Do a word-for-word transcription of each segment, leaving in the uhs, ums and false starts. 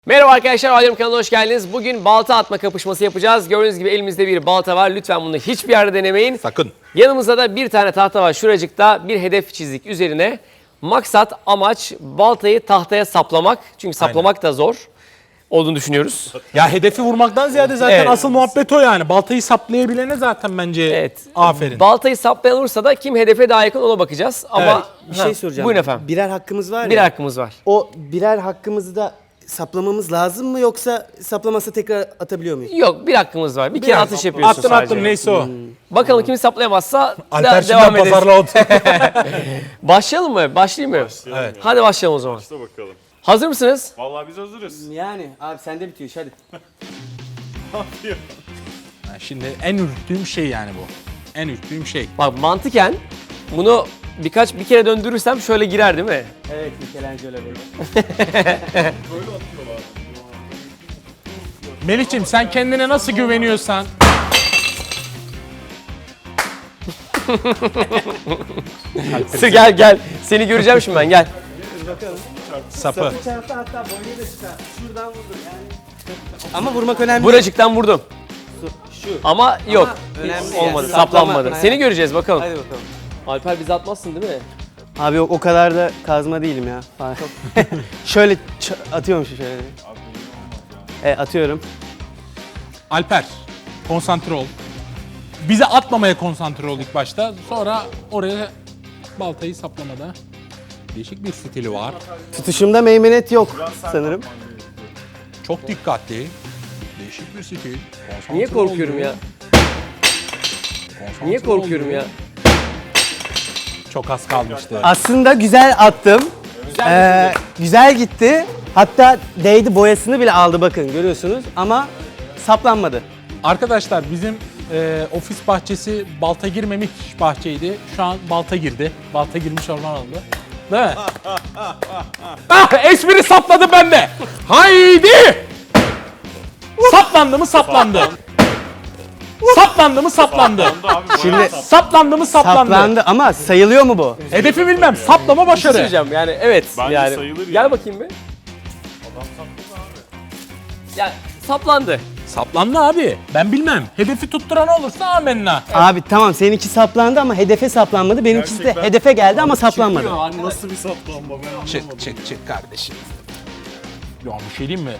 Merhaba arkadaşlar, Aydın kanalına hoş geldiniz. Bugün balta atma kapışması yapacağız. Gördüğünüz gibi elimizde bir balta var. Lütfen bunu hiçbir yerde denemeyin. Sakın. Yanımızda da bir tane tahta var. Şuracıkta bir hedef çizdik üzerine. Maksat, amaç baltayı tahtaya saplamak. Çünkü saplamak Aynen. da zor olduğunu düşünüyoruz. Ya hedefi vurmaktan ziyade zaten Evet. asıl muhabbet o yani. Baltayı saplayabilene zaten bence Evet. aferin. Baltayı saplayan olursa da kim hedefe daha yakın ona bakacağız. Ama Evet. Bir şey soracağım. Buyurun efendim. Birer hakkımız var ya. Bir hakkımız var. O birer hakkımızı da saplamamız lazım mı yoksa saplamasa tekrar atabiliyor muyuz? Yok, bir hakkımız var. Bir kere atış yapıyorsun Attın sadece. attın neyse o. Bakalım kim saplayamazsa Alper da devam şimdiden ederiz. pazarla oldu. Başlayalım mı? Başlayayım mı? Başlayalım Evet. ya. Hadi başlayalım o zaman. Başla bakalım. Hazır mısınız? Vallahi biz hazırız. Yani abi sende bitiyor iş hadi. Ne yapıyor? Ha, Şimdi en ürktüğüm şey yani bu. En ürktüğüm şey. Bak mantıken bunu birkaç bir kere döndürürsem şöyle girer değil mi? Evet Michelangelo böyle. Melih'ciğim sen kendine nasıl güveniyorsan. Sı gel gel. Seni göreceğim şimdi ben gel. Sapı. Çarptı hatta boynu da çıkar. Şuradan vurdu yani. Ama vurmak önemli. Buracıktan vurdum. Şu. Ama yok. önemli Olmadı. yani. Saplanmadı. Saplama- Seni göreceğiz bakalım. Hadi bakalım. Alper bizi atmazsın değil mi? Abi yok o kadar da kazma değilim ya. Falan. şöyle ç- atıyormuşum şöyle. Evet atıyorum. Alper konsantre ol. Bize atmamaya konsantre ol ilk başta. Sonra oraya baltayı saplamada. Değişik bir stili var. Tutuşumda meymenet yok sanırım. Çok dikkatli. Değişik bir stil. Konsantre Niye korkuyorum oluyor. ya? Konsantre Niye korkuyorum oluyor. ya? Çok az kalmıştı. Aslında güzel attım. Ee, güzel gitti. Hatta değdi, boyasını bile aldı bakın görüyorsunuz ama saplanmadı. Arkadaşlar bizim e, ofis bahçesi balta girmemiş bahçeydi. Şu an balta girdi. Balta girmiş orman oldu. Değil mi? ah, espri sapladı bende. Haydi! Saplandı mı saplandı. Saplandı mı saplandı. Şimdi Saplandı mı saplandı. saplandı ama sayılıyor mu bu? Hedefi bilmem. Saplama Bir şey başarı. söyleyeceğim yani evet. Bence yani. sayılır Gel yani. bakayım bir. Adam sapladı abi. Yani saplandı. Saplandı abi. Ben bilmem. Hedefi tutturan olursa amenna. Abi tamam seninki saplandı ama hedefe saplanmadı. Benimkisi de Gerçekten. hedefe geldi ama saplanmadı. Nasıl bir saplanma ben anlamadım. Çık çık çık kardeşim. Ya bir şey diyeyim mi?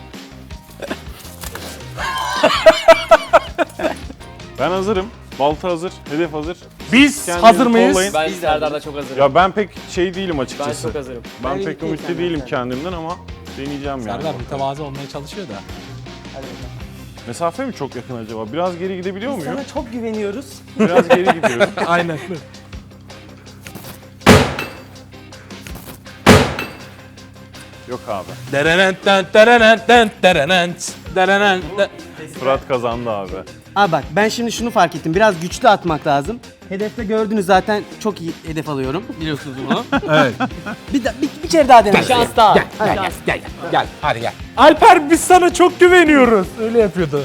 Ben hazırım. Balta hazır, hedef hazır. Biz Kendinizi hazır mıyız? kollayın. Ben Serdar'da çok hazırım. Ya ben pek şey değilim Ben açıkçası. çok hazırım. Ben, Ben pek ümitliyim ümitli senden, değilim sen. kendimden ama deneyeceğim yani. Serdar mütevazı olmaya çalışıyor da. Mesafe mi çok yakın acaba? Biraz geri gidebiliyor muyum? Sana çok güveniyoruz. Biraz geri gidiyorum. Aynen. Yok abi. Derenent derenent derenent derenent. Fırat kazandı abi. Abi bak ben şimdi şunu fark ettim. Biraz güçlü atmak lazım. Hedefte gördünüz zaten çok iyi hedef alıyorum. Biliyorsunuz bunu. Evet. bir, da, bir, bir kere daha dene. Şans daha. Gel gel gel gel. Hadi gel. Alper biz sana çok güveniyoruz. Öyle yapıyordu.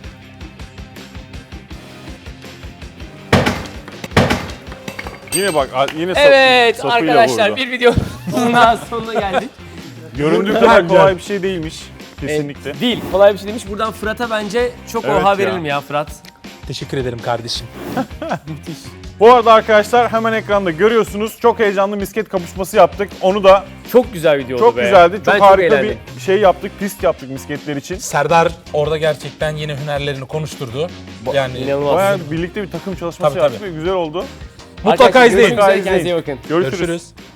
Yine bak yine sap- Evet sapıyla arkadaşlar vurdu. bir video daha sonuna geldik. Göründüğü kadar kolay bir şey değilmiş. Kesinlikle. Evet, değil. Kolay bir şey demiş. Buradan Fırat'a bence çok Evet oha ya. verelim ya Fırat. Teşekkür ederim kardeşim. Bu arada arkadaşlar hemen ekranda görüyorsunuz. Çok heyecanlı misket kapışması yaptık. Onu da Çok güzel video oldu çok be. güzeldi. Çok Ben harika eğlendim. bir şey yaptık. Pist yaptık misketler için. Serdar orada gerçekten yeni hünerlerini konuşturdu. Yani İnanılmaz. Bayağı birlikte bir takım çalışması Tabii, yaptık tabii. ve güzel oldu. mutlaka Arkadaşlar, izleyin. görüşmek üzere, kendinize iyi bakın. Görüşürüz. Görüşürüz.